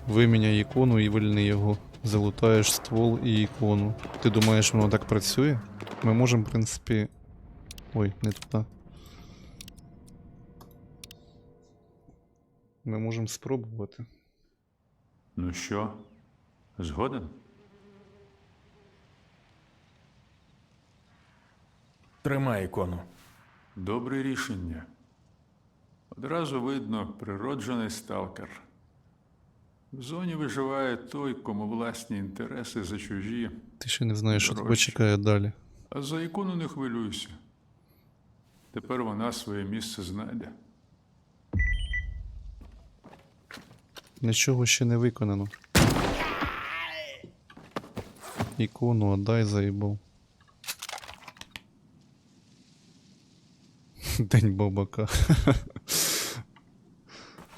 Виміняй ікону і вильни його. Залутаєш ствол і ікону. Ти думаєш, воно так працює? Ми можемо, в принципі. Ой, не туди. Ми можемо спробувати. Ну що, згоден? Тримай ікону. Добре рішення. Одразу видно, природжений сталкер. В зоні виживає той, кому власні інтереси за чужі, Ти ще не знаєш, що тебе Дорожче. чекає далі. а за ікону не хвилюйся. Тепер вона своє місце знайде. Нічого ще не виконано. Ікону отдай, заїбав. День бабака.